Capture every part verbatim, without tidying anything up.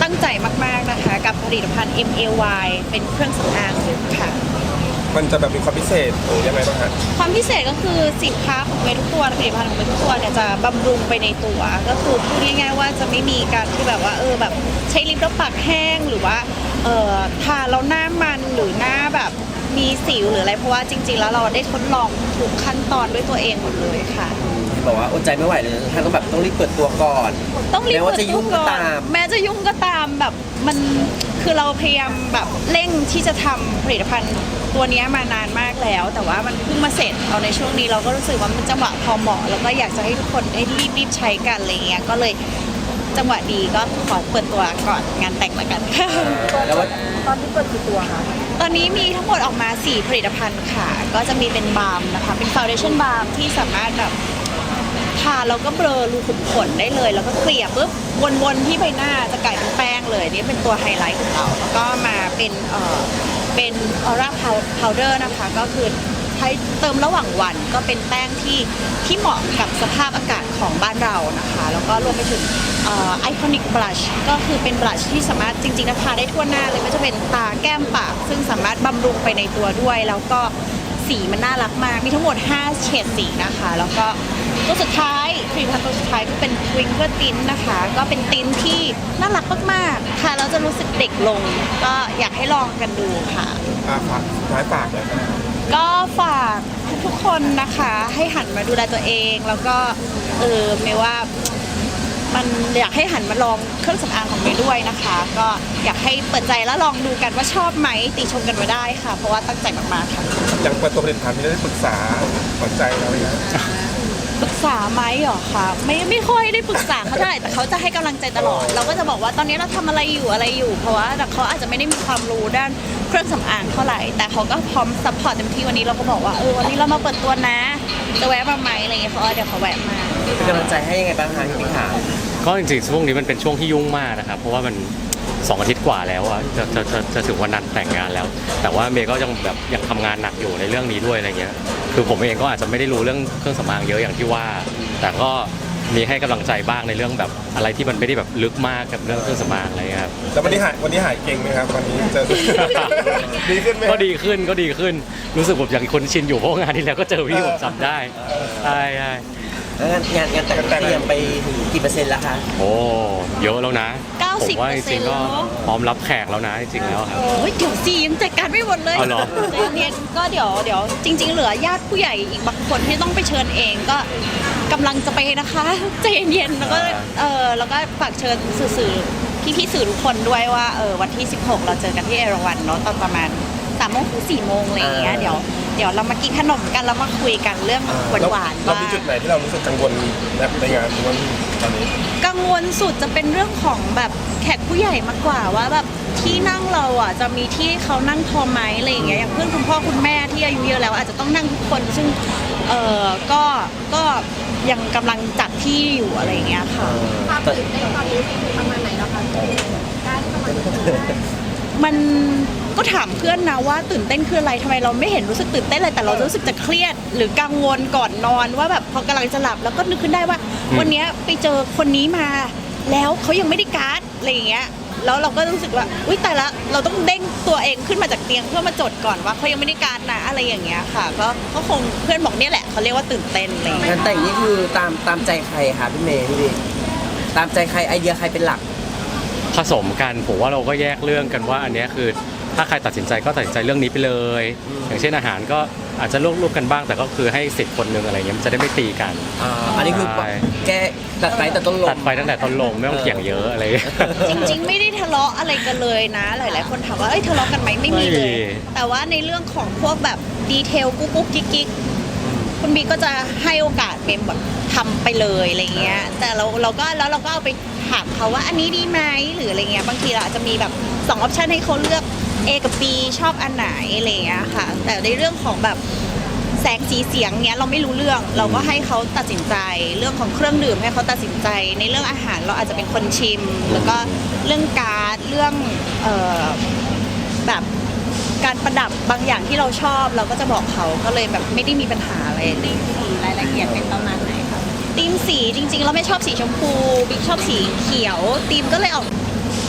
ตั้งใจมากๆนะคะกับผลิตภัณฑ์ เอ็ม เอ วาย เป็นเครื่องสำอางค่ะมันจะแบบมีความพิเศษหรือยังไงบ้างฮะความพิเศษก็คือสินค้าของเมย์ทุกตัวผลิตภัณฑ์ของเมย์ทุกตัวเนี่ยจะบำรุงไปในตัวก็คือพูดง่ายๆว่าจะไม่มีการที่แบบว่าเออแบบใช้ลิปแล้วปากแห้งหรือว่าเออทาแล้วหน้ามันหรือหน้าแบบมีสิวหรืออะไรเพราะว่าจริงๆแล้วเราได้ทดลองทุกขั้นตอนด้วยตัวเองหมดเลยค่ะบอกว่าอดใจไม่ไหวเลยท่านต้องแบบต้องรีบเปิดตัวก่อนต้องรีบแม้ว่าจะยุ่งก็ตามแม้จะยุ่งก็ตามแบบมันคือเราพยายามแบบเร่งที่จะทำผลิตภัณฑ์ตัวนี้มานานมากแล้วแต่ว่ามันเพิ่งมาเสร็จเอาในช่วงนี้เราก็รู้สึกว่ามันจังหวะพอเหมาะแล้วก็อยากจะให้ทุกคนได้รีบรีบใช้กันอะไรเงี้ยก็เลยจังหวะดีก็ขอเปิดตัวก่อนงานแต่งละกันค่ะแล้วว่าตอนนี้เปิดกี่ตัวคะตอนนี้มีทั้งหมดออกมาสี่ผลิตภัณฑ์ค่ะก็จะมีเป็นบาล์มนะคะเป็นฟาวเดชั่นบาล์มที่สามารถแบบทาแล้วก็เบลอรูขุมขนได้เลยแล้วก็เกลี่ยปุ๊บวนๆที่ใบหน้าจะกลายเป็นแป้งเลยนี่เป็นตัวไฮไลท์ของเราแล้วก็มาเป็นเอ่อเป็นออร่าพาวเดอร์นะคะก็คือใช้เติมระหว่างวันก็เป็นแป้งที่ที่เหมาะกับสภาพอากาศของบ้านเรานะคะแล้วก็รวมไปถึงไอคอนิกบลัชก็คือเป็นบลัชที่สามารถจริงๆนะทาได้ทั่วหน้าเลยไม่ว่าจะเป็นตาแก้มปากซึ่งสามารถบำรุงไปในตัวด้วยแล้วก็สีมันน่ารักมากมีทั้งหมดห้าเฉดสีนะคะแล้วก็ตัวสุดท้ายผลิตภัณฑ์ตัวสุดท้ายก็เป็นทวิงเกอร์ตินนะคะก็เป็นตินที่น่ารักมากๆค่ะแล้วจะรู้สึกเด็กลงก็อยากให้ลองกันดูค่ะอ่าฝากสุดท้ายฝากเลยครับก็ฝากทุกๆคนนะคะให้หันมาดูแลตัวเองแล้วก็เออไม่ว่ามันอยากให้หันมาลองเครื่องสำอางของเมย์ด้วยนะคะก็อยากให้เปิดใจแล้วลองดูกันว่าชอบไหมติชมกันมาได้ค่ะเพราะว่าตั้งใจมากๆค่ะอย่างเปิดตัวผลิตภัณฑ์ที่ได้ปรึกษาสนใจเราเลยนะปรึกษาไหมหรอคะไม่ไม่ค่อยได้ปรึกษาเขาเท่าไหร่แต่เขาจะให้กำลังใจตลอดเราก็จะบอกว่าตอนนี้เราทำอะไรอยู่อะไรอยู่เพราะว่าเขาอาจจะไม่ได้มีความรู้ด้านเครื่องสำอางเท่าไหร่แต่เขาก็พร้อมซัพพอร์ตเต็มที่วันนี้เราก็บอกว่าเออวันนี้เรามาเปิดตัวนะจะแวะมาไหมอะไรเงี้ยเขาเดี๋ยวเขาแวะมาเป็นกำลังใจให้ยังไงบ้างคะพี่ขาก็จริงๆช่วงนี้มันเป็นช่วงที่ยุ่งมากนะครับเพราะว่ามันสองอาทิตย์กว่าแล้วอะจะจะจะจะถึงวันนั้นแต่งงานแล้วแต่ว่าเมย์ก็ยังแบบยังทำงานหนักอยู่ในเรื่องนี้ด้วยอะไรเงี้ยคือผมเองก็อาจจะไม่ได้รู้เรื่องเครื่องสำอางเยอะอย่างที่ว่าแต่ก็มีให้กำลังใจบ้างในเรื่องแบบอะไรที่มันไม่ได้แบบลึกมากกับเรื่องเครื่องสำอางอะไรครับแล้ววันนี้หายวันนี้หายเก่งไหมครับวันนี้เจอดีขึ้นไหมก็ดีขึ้นก็ดีขึ้นรู้สึกแบบอย่างคนชินอยู่เพราะงานที่แล้วก็เจอพี่ผมจำได้ใช่ใช่งานงานงานแต่งเตรียมไปกี่เปอร์เซ็นต์แล้วคะโอ้เยอะแล้วนะผมว่าจริงๆก็พร้อมรับแขกแล้วนะจริงๆแล้วครับโอ้ยเดี๋ยวสิยังจัดการไม่หมดเลยใจเย็นก็เดี๋ยวเดี๋ยวจริงๆเหลือญาติผู้ใหญ่อีกบางคนที่ต้องไปเชิญเองก็กำลังจะไปนะคะใจเย็นๆแล้วก็เออแล้วก็ฝากเชิญสื่อพี่ๆสื่อทุกคนด้วยว่าเออวันที่สิบหกเราเจอกันที่เอราวัณเนาะตอนประมาณสามโมงถึงสี่โมงอะไรอย่างเงี้ยเดี๋ยวเดี๋ยวเรามากินขนมกันแล้วมาคุยกันเรื่องหวานๆว่าเรามีจุดไหนที่เรารู้สึกกังวลในงานวันตอนนี้กังวลสุดจะเป็นเรื่องของแบบแขกผู้ใหญ่มากกว่าว่าแบบที่นั่งเราอ่ะจะมีที่เขานั่งพอไหมอะไรอย่างเงี้ยอย่างเพื่อนคุณพ่อคุณแม่ที่อายุเยอะแล้วอาจจะต้องนั่งทุกคนซึ่งเออก็ก็ยังกำลังจัดที่อยู่อะไรอย่างเงี้ยค่ะความตื่นเต้นตอนนี้ประมาณไหนแล้วคะได้ประมาณมันก็ถามเพื่อนนะว่าตื่นเต้นคืออะไรทำไมเราไม่เห็นรู้สึกตื่นเต้นเลยแต่เรารู้สึกจะเครียดหรือกังวลก่อนนอนว่าแบบพอกำลังจะหลับแล้วก็นึกขึ้นได้ว่าวันนี้ไปเจอคนนี้มาแล้วเขายังไม่ได้การ์ดอะไรอย่างเงี้ยแล้วเราก็รู้สึกว่าอุ้ยแต่ละเราต้องเด้งตัวเองขึ้นมาจากเตียงเพื่อมาจดก่อนว่าเขายังไม่ได้การ์ดนะอะไรอย่างเงี้ยค่ะก็ก็คงเพื่อนบอกเนี่ยแหละเขาเรียกว่าตื่นเต้นอะไรงานแต่งนี่คือตามตามใจใครคะพี่เมย์พี่ตามใจใครไอเดียใครเป็นหลักผสมกันผมว่าเราก็แยกเรื่องกันว่าอันนี้คือถ้าใครตัดสินใจก็ตัดสินใจเรื่องนี้ไปเลยอย่างเช่นอาหารก็อาจจะร่วมๆกันบ้างแต่ก็คือให้สิทธิ์คนหนึ่งอะไรเงี้ยมันจะได้ไม่ตีกันอันนี้คือแกตัดไฟแต่ต้นลมตัดไฟตั้งแต่ต้นลมไม่ต้องเถียงเยอะอะไรจริงๆไม่ได้ทะเลาะอะไรกันเลยนะหลายๆคนถามว่าเอ้ยทะเลาะกันไหมไม่มีเลยแต่ว่าในเรื่องของพวกแบบดีเทลกุ๊กกุ๊กกิ๊กกิ๊กคุณบีก็จะให้โอกาสเมมแบบทำไปเลยอะไรเงี้ยแต่เราเราก็แล้วเราก็เอาไปถามเขาว่าอันนี้ดีไหมหรืออะไรเงี้ยบางทีเราอาจจะมีแบบสองออปชันให้เขาเลือก A กับ B ชอบอันไหนอะไรเงี้ยค่ะแต่ในเรื่องของแบบแสงสีเสียงเงี้ยเราไม่รู้เรื่องเราก็ให้เขาตัดสินใจเรื่องของเครื่องดื่มให้เขาตัดสินใจในเรื่องอาหารเราอาจจะเป็นคนชิมแล้วก็เรื่องการ์ดเรื่องเอ่อแบบการประดับบางอย่างที่เราชอบเราก็จะบอกเขาก็เลยแบบไม่ได้มีปัญหาอะไรตีมสีรายละเอียดเป็นประมาณไหนคะตีมสีจริงๆเราไม่ชอบสีชมพูบิ๊กชอบสีเขียวตีมก็เลยออก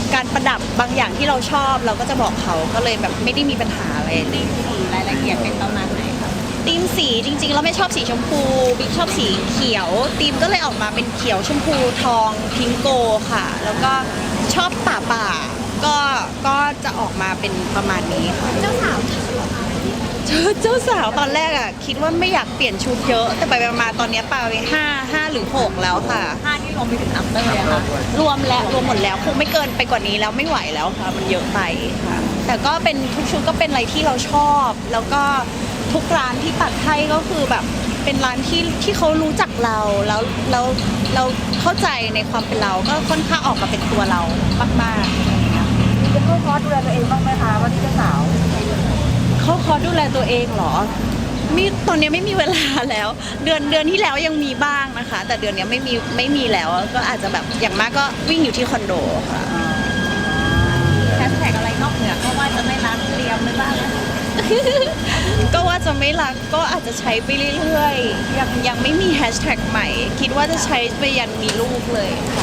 การประดับบางอย่างที่เราชอบเราก็จะบอกเขาก็เลยแบบไม่ได้มีปัญหาอะไรตีมสีรายละเอียดเป็นประมาณไหนคะตีมสีจริงๆเราไม่ชอบสีชมพูบิ๊กชอบสีเขียวตีมก็เลยออกมาเป็นเขียวชมพูทองพิงโกค่ะ แล้วก็ชอบป่าป่าก็ก็จะออกมาเป็นประมาณนี้ค่ะเจ้าสาวเจ้าเจ้าสาวตอนแรกอ่ะคิดว่าไม่อยากเปลี่ยนชุดเยอะ แต่ไปๆมาๆตอนนี้ปาไปห้าห้าหรือหกแล้วค่ะห้าที่รวมไปถึงอัปเตอร์เลยค่ะรวมแล้วรวมหมดแล้วคงไม่เกินไปกว่านี้แล้วไม่ไหวแล้วค่ะมันเยอะไปค่ะ แต่ก็เป็นทุกชุดก็เป็นอะไรที่เราชอบ แล้วก็ทุกร้านที่ตัดให้ก็คือแบบเป็นร้านที่ที่เขารู้จักเราแล้วแล้วเราเข้าใจในความเป็นเราก็ค่อนข้างออกมาเป็นตัวเรามากๆจะเข้าคอร์สดูแลตัวเองบ้างไหมคะว่าที่เจ้าสาวเขาคอร์สดูแลตัวเองเหรอมีตอนนี้ไม่มีเวลาแล้ว เดือนเดือนที่แล้วยังมีบ้างนะคะ แต่เดือนนี้ไม่มีไม่มีแล้วก็อาจจะแบบอย่างมากก็วิ่งอยู่ที่คอนโดค่ะแฮชแท็กอะไรนอกเหนือก็ว่าจะไม่รักเตรียมไม่บ้าง ก็ว่าจะไม่รักก็อาจจะใช้ไปเรื่อยๆยังยังไม่มีแฮชแท็กใหม่ คิดว่าจะใช้ไปยันมีลูกเลยค่ะ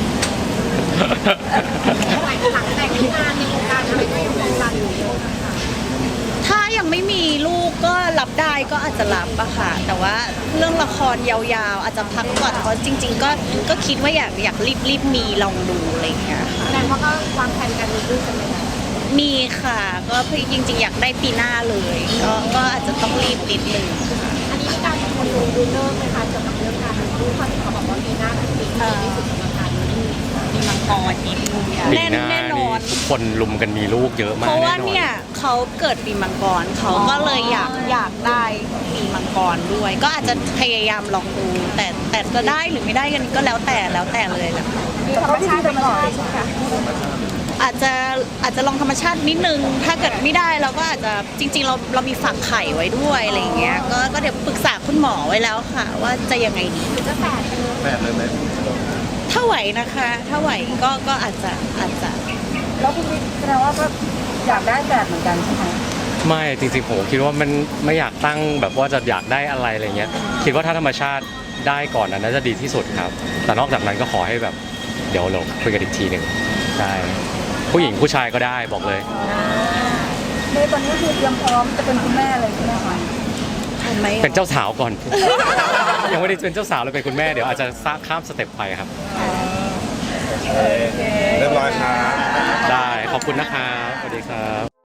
หลังแต่งงานในวงการอะไรก็ยังคงรันอยู่ถ้ายังไม่มีลูกก็รับได้ก็อาจจะรับอะค่ะ แต่ว่าเรื่องละครยาวๆ อาจจะพักก่อนเพราะจริง ๆ ก็ก็คิดว่าอยากอยากรีบรีบมีลองดูอะไรอย่างเงี้ยค่ะแสดงว่าก็วางแผนการมีลูกกันไหมคะมีค่ะ ก็จริง ๆ อยากได้ปีหน้าเลย ก็ก็อาจจะต้องรีบนิดนึงค่ะอันนี้มีการชวนดูดูเลิกไหมคะเกี่ยวกับเรื่องการมีลูกเพราะที่เขาบอกว่าปีหน้าเป็นปีที่ดีที่สุดสำหรับการมีลูกมีมังกรมีลูกปีแน่นหน้าแน่นนี่อนทุกคนลุมกันมีลูกเยอะมากเพราะว่าแน่นอนเนี่ยเขาเกิดปีมังกรเขาก็เลยอยากอยากได้ปีมังกรด้วย ก็อาจจะพยายามลองดู แต่แต่จะได้หรือไม่ได้กันก็แล้วแต่แล้วแต่เลยแหละค่ะมีธรรมชาติไปก่อนใช่ไหมคะอาจจะอาจจะลองธรรมชาตินิดนึง ถ้าเกิดไม่ได้เราก็อาจจะจริง ๆ เราเรามีฝักไข่ไว้ด้วยอะไรอย่างเงี้ยก็ก็เดี๋ยวปรึกษาคุณหมอไว้แล้วค่ะ ว่าจะยังไงดีจะแฝดเลยแบบเลยไหมถ้าไหวนะคะ ถ้าไหวก็ก็อาจจะอาจจะแล้วคุณแสดงว่าก็อยากได้แบบเหมือนกันใช่ไหมไม่จริงๆผมคิดว่ามันไม่อยากตั้งแบบว่าจะอยากได้อะไรอะไรเงี้ยคิดว่าถ้าธรรมชาติได้ก่อนนั้นน่าจะดีที่สุดครับ แต่นอกจากนั้นก็ขอให้แบบเดี๋ยวเราคุยกันอีกทีหนึ่งใช่ผู้หญิงผู้ชายก็ได้บอกเลยในตอนนี้คือเตรียมพร้อมจะเป็นคุณแม่เลยใช่ไหมคะทันไหมเป็นเจ้าสาวก่อน ยังไม่ได้เป็นเจ้าสาวเลยเป็นคุณแม่เดี๋ยวอาจจะข้ามสเต็ปไปครับเรียบร้อยครับได้ขอบคุณนะครับสวัสดีครับ